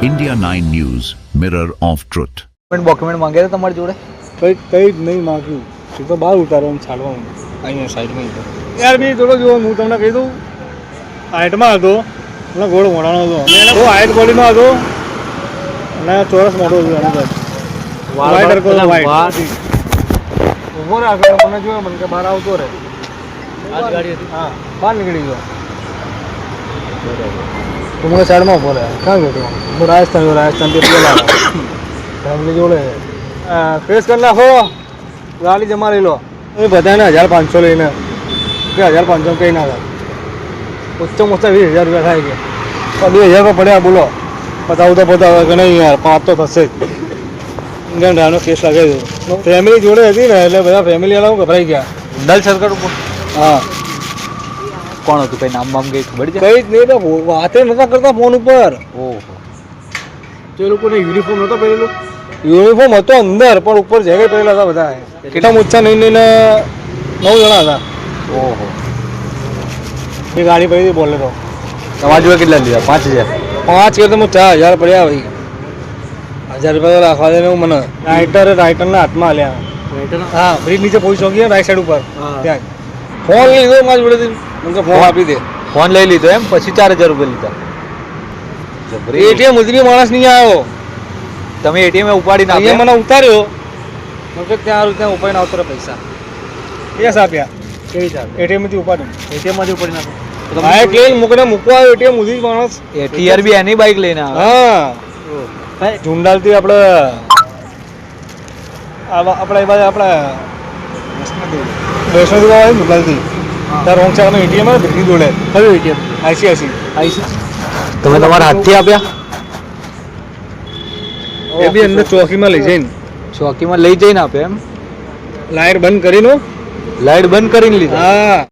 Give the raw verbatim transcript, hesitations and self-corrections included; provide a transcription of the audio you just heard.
India nine News, Mirror of Truth. Document માંગ્યા હતા તમારી જોડે? કંઈ કંઈ જ નહીં માગ્યું. એ તો બહાર ઉતારવાનું છાડવાનું અહીંયા સાઈડમાં યાર બી થોડો જુઓ, હું તમને કહી દઉં, હાઇટમાં હતો એટલે ગોળ મોડાનો હતો, એને બહુ હાઇટ બોડીનો હતો અને ચોરસ મોટો હતો એની પાસે વાઇટ હરકો વાઇટ ઊભો રાખો મને જોયો મને કે બહાર આવતો રહે. ગાડી હતી હા બહાર નીકળી ગયો તો મને સાઈડમાં ઊભો રહે. ક્યાં ગયો તો હું રાજસ્થાન ગયો, રાજસ્થાનથી પેલા ફેમિલી જોડે ફેસ કરી નાખો, ગાડી જમા લઈ લો. એ બધાને હજાર પાંચસો લઈને કે હજાર પાંચસો કંઈ ના થાય, ઓછા ઓછા વીસ હજાર રૂપિયા થાય ગયા. બે હજાર રૂપિયા પડ્યા બોલો, પતાવું તો પતાવે કે નહીં યાર, પાંચ તો થશે જ. ઇન્ડિયન ડ્રાઈવરનો કેસ લાગે છે. ફેમિલી જોડે હતી ને એટલે બધા ફેમિલી વાળાઓ ગભરાઈ ગયા. નલ સરકાર ઉપર હા કોણ હતું? કઈ નામ બામ કઈ ખબર છે? કંઈ જ નહીં તો વાતે નહોતા કરતા ફોન ઉપર. ઓહો, તો એ લોકોને યુનિફોર્મ નહોતો પહેરેલો. યુનિફોર્મ હતો અંદર પણ ઉપર જેકેટ પહેરેલા હતા બધા. કેટલા ઓછા નહીં નહીં નવ જણા હતા. ઓહો, એ ગાડી પડી હતી બોલેરો. તમારા જોડે કેટલા લીધા? પાંચ હજાર પાંચ કે તમે ચાર હજાર પડ્યા ભાઈ. હજાર રૂપિયા તો રાખવા દે ને મને. રાઇટર રાઇટરના હાથમાં હાલ્યા. હા બ્રિજ નીચે પહોંચી ગયો રાઈટ સાઈડ ઉપર ત્યાં ફોન લીધો મારી જોડેથી. મને ફોન આપી દે. ફોન લઈ લીધો એમ? પછી ચાર હજાર રૂપિયા લીધા. એટીએમ ઉતરી માણસ નહીં આવ્યો. તમે એટીએમ ઉપાડીને અહીંયા આપ્યા? મને ઉતાર્યો. મને ત્યાં ત્યાં ઉપાડીને આવતો રહે પૈસા. કેસ આપ્યા. કેવી ચાલ? એટીએમ થી ઉપાડ્યું. એટીએમ માંથી ઉપાડી નાખો. બાઇક લઈને મૂકીને મૂકવા આવ્યો એટીએમ ઉધી માણસ. એટીઆર બી એની બાઇક લઈને આવે? હા ઝુંડાલથી આપણે આપણે એ બાજુ આપણે વૈષ્ણોદેવી આવે ઝુંડાલથી ત્યાં રોંગ સાઈડમાં એટીએમ આવે ભીખની જોડે. કયું એટીએમ? આઈસીઆઈસી. આઈસી તમે તમારા હાથથી આપ્યા? એ બી અંદર ચોકીમાં લઈ જઈને ચોકીમાં લઈ જઈને આપ્યા એમ? લાઈટ બંધ કરીને લાઈટ બંધ કરીને લીધા? હા